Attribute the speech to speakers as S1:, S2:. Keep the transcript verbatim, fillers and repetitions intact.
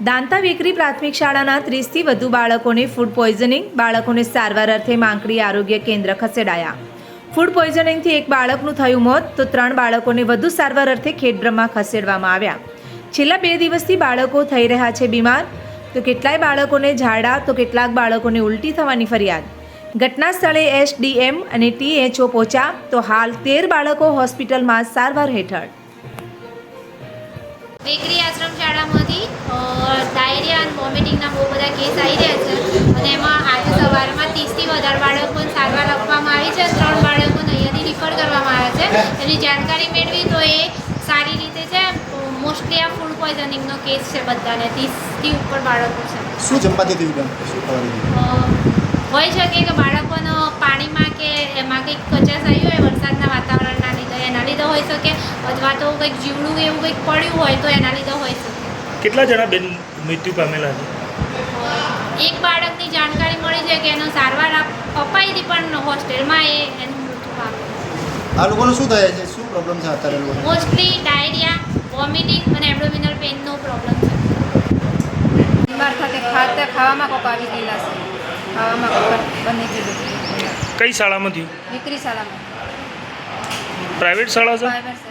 S1: દાંતા વેકરી પ્રાથમિક શાળાના ત્રીસથી વધુ બાળકોને ફૂડ પોઈઝનિંગ બાળકોને સારવાર અર્થે માંકડી આરોગ્ય કેન્દ્ર ખસેડાયા। ફૂડ પોઈઝનિંગથી એક બાળકનું થયું મોત તો ત્રણ બાળકોને વધુ સારવાર અર્થે ખેડબ્રહ્મા ખસેડવામાં આવ્યા। છેલ્લા બે દિવસથી બાળકો થઈ રહ્યા છે બીમાર, તો કેટલાય બાળકોને ઝાડા તો કેટલાક બાળકોને ઉલટી થવાની ફરિયાદ। ઘટના સ્થળે એસડીએમ અને ટીએચઓ પહોંચ્યા તો હાલ તેર બાળકો હોસ્પિટલમાં સારવાર હેઠળ।
S2: વેકરી આશ્રમ શાળામાંથી ડાયરિયા અને વોમિટિંગના બહુ બધા કેસ આવી રહ્યા છે અને એમાં આજે સવારમાં ત્રીસથી વધારે બાળકોને સારવાર આપવામાં આવી છે। ત્રણ બાળકોને અહીંયાથી રિફર કરવામાં આવ્યા છે। એની જાણકારી મેળવી તો એ સારી રીતે છે। મોસ્ટલી આ ફૂડ પોઈઝનિંગનો કેસ છે, બધાને ત્રીસથી ઉપર બાળકો છે।
S3: શું જમવાથી થયું? શું ખવાથી?
S2: હોઈ શકે કે બાળકોનો પાણીમાં કે એમાં કંઈક કચાશ આવી હોય વરસાદના વાતાવરણના લીધે, એના લીધે હોઈ શકે, અથવા તો કંઈક જીવડું એવું કંઈક પડ્યું હોય તો એના લીધે હોઈ શકે।
S4: કેટલા જણા બેન મૃત્યુ પામેલા છે?
S2: એક બાળકની જાણકારી મળી છે કે એનો સારવાર અપાઈ હતી પણ હોસ્ટેલમાં એ એનું મૃત્યુ પામ્યું।
S3: આ લોકોને શું થાય છે? શું પ્રોબ્લેમ છે અત્યારે લોકોને?
S2: મોસ્ટલી ડાયરિયા, વોમિટિંગ અને એબ્ડોમિનલ પેઇનનો પ્રોબ્લેમ છે।
S5: બીમાર થતી ખાતે ખાવામાં કોક આવી ગયેલા છે, ખાવામાં કોક બની ગયેલું।
S4: કઈ શાળામાં થયું?
S5: દીકરી શાળામાં
S4: પ્રાઇવેટ શાળા છે?
S5: પ્રાઇવેટ